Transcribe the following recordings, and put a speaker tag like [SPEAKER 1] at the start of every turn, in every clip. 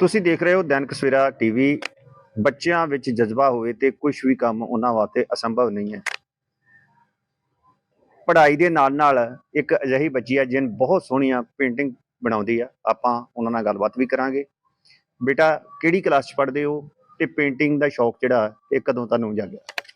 [SPEAKER 1] ਤੁਸੀਂ ਦੇਖ ਰਹੇ ਹੋ ਦੈਨਿਕ ਸਵੇਰਾ ਟੀਵੀ। ਬੱਚਿਆਂ ਵਿੱਚ ਜਜ਼ਬਾ ਹੋਵੇ ਤੇ ਕੁਝ ਵੀ ਕੰਮ ਉਹਨਾਂ ਵਾਸਤੇ ਅਸੰਭਵ ਨਹੀਂ ਹੈ। ਪੜ੍ਹਾਈ ਦੇ ਨਾਲ ਇੱਕ ਅਜਿਹੀ ਬੱਚੀ ਹੈ ਜਿਹਨ ਬਹੁਤ ਸੋਹਣੀਆਂ ਪੇਂਟਿੰਗ ਬਣਾਉਂਦੀ ਆ। ਆਪਾਂ ਉਹਨਾਂ ਨਾਲ ਗੱਲਬਾਤ ਵੀ ਕਰਾਂਗੇ। ਬੇਟਾ, ਕਿਹੜੀ ਕਲਾਸ 'ਚ ਪੜ੍ਹਦੇ ਹੋ ਤੇ ਪੇਂਟਿੰਗ ਦਾ ਸ਼ੌਕ ਜਿਹੜਾ ਇਹ ਕਦੋਂ ਤੁਹਾਨੂੰ ਜਾਗਿਆ?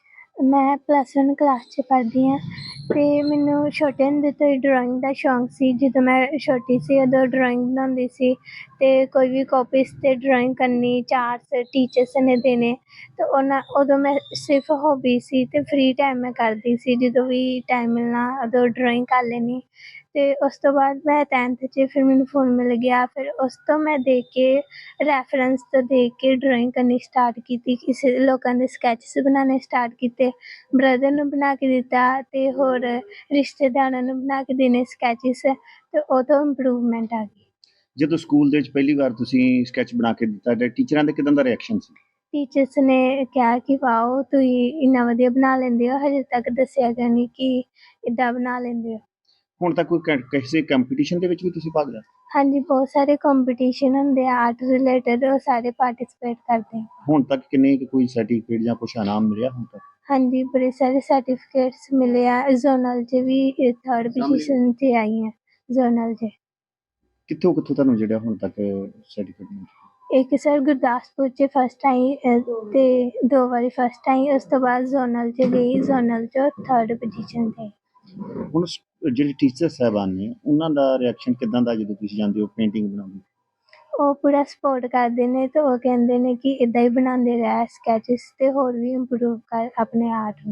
[SPEAKER 2] ਮੈਂ +1 ਕਲਾਸ 'ਚ ਪੜ੍ਹਦੀ ਹਾਂ ਅਤੇ ਮੈਨੂੰ ਛੋਟੇ ਹੁੰਦੇ ਤੋਂ ਹੀ ਡਰਾਇੰਗ ਦਾ ਸ਼ੌਂਕ ਸੀ। ਜਦੋਂ ਮੈਂ ਛੋਟੀ ਸੀ ਉਦੋਂ ਡਰਾਇੰਗ ਬਣਾਉਂਦੀ ਸੀ ਅਤੇ ਕੋਈ ਵੀ ਕਾਪੀਜ਼ 'ਤੇ ਡਰਾਇੰਗ ਕਰਨੀ, ਚਾਰਟਸ ਟੀਚਰਸ ਨੇ ਦੇਣੇ ਅਤੇ ਉਦੋਂ ਮੈਂ ਸਿਰਫ ਹੌਬੀ ਸੀ ਅਤੇ ਫਰੀ ਟਾਈਮ ਮੈਂ ਕਰਦੀ ਸੀ। ਜਦੋਂ ਵੀ ਟਾਈਮ ਮਿਲਣਾ ਉਦੋਂ ਡਰਾਇੰਗ ਕਰ ਲੈਣੀ। ਅਤੇ ਉਸ ਤੋਂ ਬਾਅਦ ਮੈਂ 10th 'ਚ ਫਿਰ ਮੈਨੂੰ ਫੋਨ ਮਿਲ ਗਿਆ। ਫਿਰ ਉਸ ਤੋਂ ਮੈਂ ਦੇਖ ਕੇ ਰੈਫਰੈਂਸ ਤੋਂ ਦੇਖ ਕੇ ਡਰਾਇੰਗ ਕਰਨੀ ਸਟਾਰਟ ਕੀਤੀ। ਕਿਸੇ ਲੋਕਾਂ ਦੇ ਸਕੈਚਸ ਬਣਾਉਣੇ ਸਟਾਰਟ ਕੀਤੇ, ਬ੍ਰਦਰ ਨੂੰ ਬਣਾ ਕੇ ਦਿੱਤਾ ਅਤੇ ਹੋਰ ਰਿਸ਼ਤੇਦਾਰਾਂ ਨੂੰ ਬਣਾ ਕੇ ਦੇਣੇ ਸਕੈਚਿਸ, ਅਤੇ ਉਦੋਂ ਇੰਪਰੂਵਮੈਂਟ ਆ ਗਈ।
[SPEAKER 1] ਜਦੋਂ ਸਕੂਲ ਦੇ ਵਿੱਚ ਪਹਿਲੀ ਵਾਰ ਤੁਸੀਂ ਸਕੈਚ ਬਣਾ ਕੇ ਦਿੱਤਾ ਤੇ ਟੀਚਰਾਂ ਦਾ ਕਿਦਾਂ ਦਾ ਰਿਐਕਸ਼ਨ ਸੀ?
[SPEAKER 2] ਟੀਚਰਸ ਨੇ ਕਿਹਾ ਕਿ ਵਾਓ, ਤੁਸੀਂ ਇੰਨਾ ਵਧੀਆ ਬਣਾ ਲੈਂਦੇ ਹੋ, ਹਜੇ ਤੱਕ ਦੱਸਿਆ ਗਿਆ ਨਹੀਂ ਕਿ ਇੱਦਾਂ ਬਣਾ ਲੈਂਦੇ ਹੋ।
[SPEAKER 1] ਹੁਣ ਤੱਕ ਕੋਈ ਕਿਸੇ ਕੰਪੀਟੀਸ਼ਨ ਦੇ ਵਿੱਚ ਵੀ ਤੁਸੀਂ ਭਾਗ ਲਿਆ?
[SPEAKER 2] ਹਾਂਜੀ, ਬਹੁਤ ਸਾਰੇ ਕੰਪੀਟੀਸ਼ਨ ਹੁੰਦੇ ਆ ਆਰਟ ਰਿਲੇਟਡ, ਉਹ ਸਾਰੇ ਪਾਰਟੀਸਪੇਟ ਕਰਦੇ ਆ।
[SPEAKER 1] ਹੁਣ ਤੱਕ ਕਿੰਨੇ ਕੋਈ ਸਰਟੀਫਿਕੇਟ ਜਾਂ ਕੁਛ ਇਨਾਮ ਮਿਲਿਆ ਹੁਣ ਤੱਕ?
[SPEAKER 2] ਹਾਂਜੀ, ਬੜੇ ਸਾਰੇ ਸਰਟੀਫਿਕੇਟਸ ਮਿਲੇ ਆ। ਜ਼ੋਨਲ 'ਚ ਵੀ 3rd ਪੋਜੀਸ਼ਨ 'ਤੇ ਆਈ ਹਾਂ ਜ਼ੋਨਲ 'ਚ।
[SPEAKER 1] ਕਿੱਥੋਂ ਤੁਹਾਨੂੰ ਜਿਹੜਾ ਹੁਣ ਤੱਕ ਸਰਟੀਫਿਕੇਟ ਮਿਲਿਆ?
[SPEAKER 2] ਇੱਕ ਸਰ ਗੁਰਦਾਸਪੁਰ 'ਚ ਫਸਟ ਆਈ ਅਤੇ 2 ਵਾਰੀ ਫਸਟ ਆਈ। ਉਸ ਤੋਂ ਬਾਅਦ ਜ਼ੋਨਲ 'ਚ ਗਈ, ਜ਼ੋਨਲ 'ਚੋਂ 3rd ਪੋਜੀਸ਼ਨ 'ਤੇ।
[SPEAKER 1] ਹੁਣ ਜਿਹੜੇ ਟੀਚਰ ਸਾਹਿਬਾਨ ਨੇ ਉਹਨਾਂ ਦਾ ਰਿਐਕਸ਼ਨ ਕਿੱਦਾਂ ਦਾ ਜਦੋਂ ਤੁਸੀਂ ਜਾਂਦੇ ਹੋ ਪੇਂਟਿੰਗ ਬਣਾਉਂਦੇ?
[SPEAKER 2] ਉਹ ਪੂਰਾ ਸਪੋਰਟ ਕਰਦੇ ਨੇ ਅਤੇ ਉਹ ਕਹਿੰਦੇ ਨੇ ਕਿ ਇੱਦਾਂ ਹੀ ਬਣਾਉਂਦੇ ਰਹਿ ਸਕੈਚਿਸ ਅਤੇ ਹੋਰ ਵੀ ਇੰਪਰੂਵ ਕਰ ਆਪਣੇ ਆਰਟ ਨੂੰ।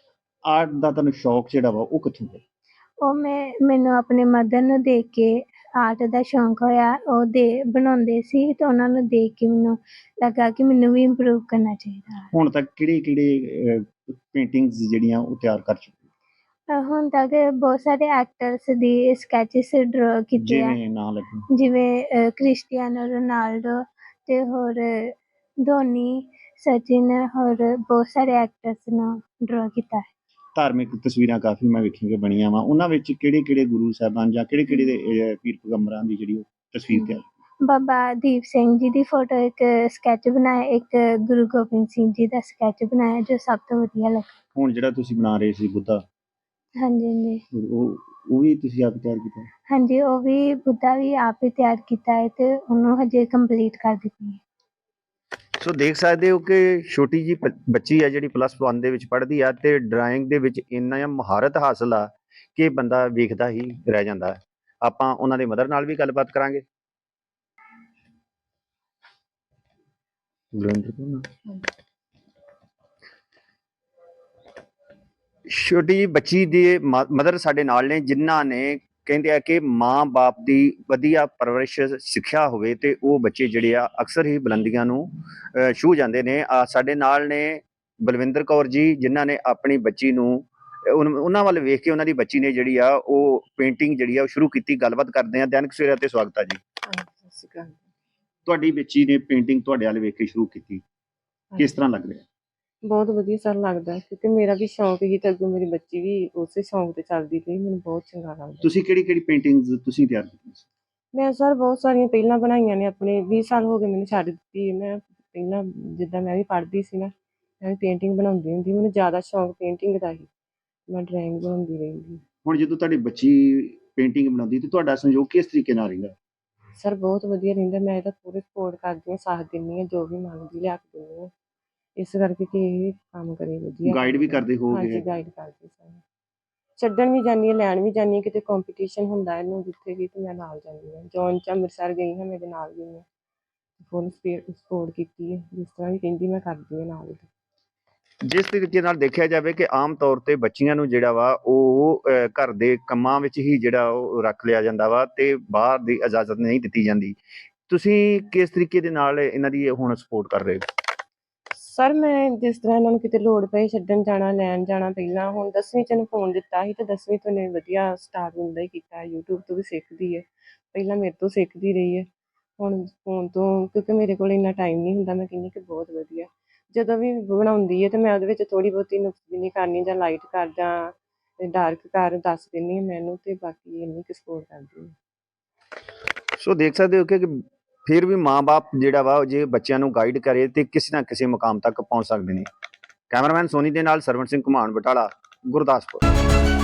[SPEAKER 1] ਆਰਟ ਦਾ ਤੁਹਾਨੂੰ ਸ਼ੌਕ ਜਿਹੜਾ ਵਾ ਉਹ ਕਿੱਥੋਂ ਪਿਆ?
[SPEAKER 2] ਉਹ ਮੈਨੂੰ ਆਪਣੇ ਮਦਰ ਨੂੰ ਦੇਖ ਕੇ ਆਰਟ ਦਾ ਸ਼ੌਂਕ ਹੋਇਆ। ਉਹ ਬਣਾਉਂਦੇ ਸੀ ਅਤੇ ਉਹਨਾਂ ਨੂੰ ਦੇਖ ਕੇ ਮੈਨੂੰ ਲੱਗਾ ਕਿ ਮੈਨੂੰ ਵੀ ਇੰਪਰੂਵ ਕਰਨਾ ਚਾਹੀਦਾ।
[SPEAKER 1] ਹੁਣ ਤੱਕ ਕਿਹੜੇ ਪੇਂਟਿੰਗਸ ਜਿਹੜੀਆਂ ਉਹ ਤਿਆਰ ਕਰ ਚੁੱਕੇ?
[SPEAKER 2] ਹੁਣ ਤੱਕ ਬਹੁਤ ਸਾਰੇ ਐਕਟਰਸ ਦੀ ਸਕੈਚਿਸ ਡਰਾ ਕੀਤੇ ਆ,
[SPEAKER 1] ਜਿਵੇਂ ਨਾਂ ਲੱਗੇ?
[SPEAKER 2] ਜਿਵੇਂ ਕ੍ਰਿਸਟੀਆਨੋ ਰੋਨਾਲਡੋ ਅਤੇ ਹੋਰ ਧੋਨੀ, ਸਚਿਨ, ਹੋਰ ਬਹੁਤ ਸਾਰੇ ਐਕਟਰਸ ਨੂੰ ਡਰਾ ਕੀਤਾ ਹੈ।
[SPEAKER 1] ਧਾਰਮਿਕ ਤਸਵੀਰਾਂ ਕਾਫੀ ਮੈਂ ਵੇਖੀਆਂ ਕਿ ਬਣੀਆਂ ਵਾ, ਉਹਨਾਂ ਵਿੱਚ ਕਿਹੜੇ ਗੁਰੂ ਸਾਹਿਬਾਨ ਜਾਂ ਕਿਹੜੇ ਦੇ ਪੀਰ ਪੈਗੰਬਰਾਂ ਦੀ ਜਿਹੜੀ ਉਹ ਤਸਵੀਰ ਤਿਆਰ?
[SPEAKER 2] ਬਾਬਾ ਦੀਪ ਸਿੰਘ ਜੀ ਦੀ ਫੋਟੋ ਇੱਕ ਸਕੈਚ ਬਣਾਇਆ, ਇੱਕ ਗੁਰੂ ਗੋਬਿੰਦ ਸਿੰਘ ਜੀ ਦਾ ਸਕੈਚ ਬਣਾਇਆ ਜੋ ਸਭ ਤੋਂ ਵਧੀਆ ਲੱਗਾ।
[SPEAKER 1] ਹੁਣ ਜਿਹੜਾ ਤੁਸੀਂ ਬਣਾ ਰਹੇ ਸੀ ਬੁੱਧਾ,
[SPEAKER 2] ਹਾਂਜੀ ਹਾਂਜੀ
[SPEAKER 1] ਉਹ ਵੀ ਤੁਸੀਂ ਆਪ ਤਿਆਰ ਕੀਤਾ?
[SPEAKER 2] ਹਾਂਜੀ, ਉਹ ਵੀ ਬੁੱਧਾ ਵੀ ਆਪ ਹੀ ਤਿਆਰ ਕੀਤਾ ਹੈ ਅਤੇ ਉਹਨੂੰ ਹਜੇ ਕੰਪਲੀਟ ਕਰ ਦਿੱਤੀ ਹੈ।
[SPEAKER 1] ਸੋ ਦੇਖ ਸਕਦੇ ਹੋ ਕਿ ਛੋਟੀ ਜੀ ਬੱਚੀ ਆ ਜਿਹੜੀ +1 ਦੇ ਵਿੱਚ ਪੜ੍ਹਦੀ ਆ ਤੇ ਡਰਾਇੰਗ ਦੇ ਵਿੱਚ ਇੰਨਾ ਮਹਾਰਤ ਹਾਸਲ ਆ ਕਿ ਬੰਦਾ ਵੇਖਦਾ ਹੀ ਰਹਿ ਜਾਂਦਾ ਹੈ। ਆਪਾਂ ਉਹਨਾਂ ਦੇ ਮਦਰ ਨਾਲ ਵੀ ਗੱਲਬਾਤ ਕਰਾਂਗੇ। ਛੋਟੀ ਜੀ ਬੱਚੀ ਦੇ ਮਦਰ ਸਾਡੇ ਨਾਲ ਨੇ, ਜਿਨ੍ਹਾਂ ਨੇ ਕਹਿੰਦੇ ਆ ਕਿ ਮਾਂ-ਬਾਪ ਦੀ ਵਧੀਆ ਪਰਵਰਿਸ਼ ਸਿੱਖਿਆ ਹੋਵੇ ਤੇ ਉਹ ਬੱਚੇ ਜਿਹੜੇ ਆ ਅਕਸਰ ਹੀ ਬੁਲੰਦੀਆਂ ਨੂੰ ਛੂਹ ਜਾਂਦੇ ਨੇ। ਸਾਡੇ ਨਾਲ ਨੇ ਬਲਵਿੰਦਰ ਕੌਰ ਜੀ, ਜਿਨ੍ਹਾਂ ਨੇ ਆਪਣੀ ਬੱਚੀ ਨੂੰ ਉਹਨਾਂ ਵੱਲ ਵੇਖ ਕੇ ਉਹਨਾਂ ਦੀ ਬੱਚੀ ਨੇ ਜਿਹੜੀ ਆ ਉਹ ਪੇਂਟਿੰਗ ਜਿਹੜੀ ਆ ਉਹ ਸ਼ੁਰੂ ਕੀਤੀ। ਗੱਲਬਾਤ ਕਰਦੇ ਆ। ਦੈਨਿਕ ਸਵੇਰਾ ਤੇ ਸਵਾਗਤ ਆ ਜੀ।
[SPEAKER 3] ਸਤਿ ਸ਼੍ਰੀ ਅਕਾਲ।
[SPEAKER 1] ਤੁਹਾਡੀ ਬੱਚੀ ਨੇ ਪੇਂਟਿੰਗ ਤੁਹਾਡੇ ਵੱਲ ਵੇਖ ਕੇ ਸ਼ੁਰੂ ਕੀਤੀ, ਕਿਸ ਤਰ੍ਹਾਂ ਲੱਗ ਰਿਹਾ?
[SPEAKER 3] ਬਹੁਤ ਵਧੀਆ ਸਰ ਲੱਗਦਾ, ਕਿਉਂਕਿ ਮੇਰਾ ਵੀ ਸ਼ੌਂਕ ਸੀ ਤੇ ਅੱਗੋਂ ਮੇਰੀ ਬੱਚੀ ਵੀ ਉਸੇ ਸ਼ੌਂਕ ਤੇ ਚੱਲਦੀ ਪਈ। ਮੈਨੂੰ ਬਹੁਤ ਚੰਗਾ ਲੱਗਦਾ।
[SPEAKER 1] ਤੁਸੀਂ ਕਿਹੜੀ ਪੇਂਟਿੰਗਸ ਤੁਸੀਂ ਤਿਆਰ ਕੀਤੀਆਂ?
[SPEAKER 3] ਮੈਂ ਸਰ ਬਹੁਤ ਸਾਰੀਆਂ ਪਹਿਲਾਂ ਬਣਾਈਆਂ ਨੇ। ਆਪਣੇ 20 ਸਾਲ ਹੋ ਗਏ ਮੈਨੂੰ ਛੱਡ ਦਿੱਤੀ। ਮੈਂ ਪਹਿਲਾਂ ਜਿੱਦਾਂ ਮੈਂ ਵੀ ਪੜ੍ਹਦੀ ਸੀ ਨਾ, ਮੈਂ ਵੀ ਪੇਂਟਿੰਗ ਬਣਾਉਂਦੀ ਹੁੰਦੀ। ਮੈਨੂੰ ਜ਼ਿਆਦਾ ਸ਼ੌਂਕ ਪੇਂਟਿੰਗ ਦਾ ਸੀ, ਮੈਂ ਡਰਾਇੰਗ ਬਣਾਉਂਦੀ ਰਹਿੰਦੀ।
[SPEAKER 1] ਹੁਣ ਜਦੋਂ ਤੁਹਾਡੀ ਬੱਚੀ ਪੇਂਟਿੰਗ ਬਣਾਉਂਦੀ ਤੇ ਤੁਹਾਡਾ ਸਹਿਯੋਗ ਕਿਸ ਤਰੀਕੇ ਨਾਲ ਰਹਿੰਦਾ?
[SPEAKER 3] ਸਰ ਬਹੁਤ ਵਧੀਆ ਰਹਿੰਦਾ। ਮੈਂ ਇਹਦਾ ਪੂਰੇ ਸਪੋਰਟ ਕਰਦੀ ਹਾਂ, ਸਾਥ ਦਿੰਦੀ ਹਾਂ, ਜੋ ਵੀ ਮੰਗਦੀ ਲਿਆ ਕੇ ਦਿੰਦੀ ਹਾਂ। ਇਸ ਕਰਕੇ ਕਿ ਇਹ ਕੰਮ ਕਰੇ ਵਧੀਆ।
[SPEAKER 1] ਗਾਈਡ ਵੀ ਕਰਦੇ ਹੋਗੇ?
[SPEAKER 3] ਹਾਂਜੀ, ਗਾਈਡ ਕਰਦੀ ਸਾਨੂੰ। ਛੱਡਣ ਵੀ ਜਾਂਦੀ ਹਾਂ, ਲੈਣ ਵੀ ਜਾਂਦੀ ਹਾਂ। ਕਿਤੇ ਕੰਪੀਟੀਸ਼ਨ ਹੁੰਦਾ ਇਹਨੂੰ ਜਿੱਥੇ ਵੀ ਤੇ ਮੈਂ ਨਾਲ ਜਾਂਦੀ ਹਾਂ। ਜੌਨ 'ਚ ਅੰਮ੍ਰਿਤਸਰ ਗਈ ਹਾਂ, ਮੇਰੇ ਨਾਲ ਗਈ ਹਾਂ, ਫੁੱਲ ਸਪੋਰਟ ਕੀਤੀ ਹੈ। ਜਿਸ ਤਰ੍ਹਾਂ ਵੀ ਕਹਿੰਦੀ ਮੈਂ ਕਰਦੀ ਹਾਂ ਨਾਲ।
[SPEAKER 1] ਜਿਸ ਤਰੀਕੇ ਨਾਲ ਦੇਖਿਆ ਜਾਵੇ ਕਿ ਆਮ ਤੌਰ ਤੇ ਬੱਚੀਆਂ ਨੂੰ ਜਿਹੜਾ ਵਾ ਉਹ ਘਰ ਦੇ ਕੰਮਾਂ ਵਿੱਚ ਹੀ ਜਿਹੜਾ ਉਹ ਰੱਖ ਲਿਆ ਜਾਂਦਾ ਵਾ ਤੇ ਬਾਹਰ ਦੀ ਇਜਾਜ਼ਤ ਨਹੀਂ ਦਿੱਤੀ ਜਾਂਦੀ। ਤੁਸੀਂ ਕਿਸ ਤਰੀਕੇ ਦੇ ਨਾਲ ਇਹਨਾਂ ਦੀ ਹੁਣ ਸਪੋਰਟ ਕਰ ਰਹੇ ਹੋ?
[SPEAKER 3] ਸਰ ਮੈਂ ਜਿਸ ਤਰ੍ਹਾਂ ਇਹਨਾਂ ਨੂੰ ਕਿਤੇ ਲੋੜ ਪਏ ਛੱਡਣ ਜਾਣਾ, ਲੈਣ ਜਾਣਾ। ਪਹਿਲਾਂ ਹੁਣ 10ਵੀਂ 'ਚ ਇਹਨੂੰ ਫੋਨ ਦਿੱਤਾ ਸੀ ਤੇ 10ਵੀਂ ਤੋਂ ਇਹਨੇ ਵਧੀਆ ਸਟਾਰਟ ਹੁੰਦਾ ਹੀ ਕੀਤਾ। YouTube ਤੋਂ ਵੀ ਸਿੱਖਦੀ ਹੈ, ਪਹਿਲਾਂ ਮੇਰੇ ਤੋਂ ਸਿੱਖਦੀ ਰਹੀ ਹੈ। ਹੁਣ ਫੋਨ ਤੋਂ, ਕਿਉਂਕਿ ਮੇਰੇ ਕੋਲ ਇੰਨਾ ਟਾਈਮ ਨਹੀਂ ਹੁੰਦਾ। ਮੈਂ ਕਹਿੰਦੀ ਕਿ ਬਹੁਤ ਵਧੀਆ। ਜਦੋਂ ਵੀ ਬਣਾਉਂਦੀ ਹੈ ਤੇ ਮੈਂ ਉਹਦੇ ਵਿੱਚ ਥੋੜ੍ਹੀ ਬਹੁਤੀ ਨੁਕਸਬਿਨੀ ਕਰਨੀ, ਜਾਂ ਲਾਈਟ ਕਰ ਜਾਂ ਡਾਰਕ ਕਰ ਦੱਸ ਦਿੰਦੀ ਹਾਂ ਮੈਨੂੰ, ਤੇ ਬਾਕੀ ਇੰਨੀ ਕੁ ਸਪੋਰਟ ਕਰਦੀ ਹਾਂ।
[SPEAKER 1] ਸੋ ਦੇਖ ਸਕਦੇ ਹੋ ਕਿ ਫਿਰ ਵੀ ਮਾਂ-ਬਾਪ ਜਿਹੜਾ ਵਾ ਉਹ ਜੇ ਬੱਚਿਆਂ ਨੂੰ ਗਾਈਡ ਕਰੇ ਤੇ ਕਿਸੇ ਨਾ ਕਿਸੇ ਮੁਕਾਮ ਤੱਕ ਪਹੁੰਚ ਸਕਦੇ ਨੇ। ਕੈਮਰਾਮੈਨ ਸੋਨੀ ਦੇ ਨਾਲ ਸਰਵਣ ਸਿੰਘ ਘੁਮਾਣ, ਬਟਾਲਾ, ਗੁਰਦਾਸਪੁਰ।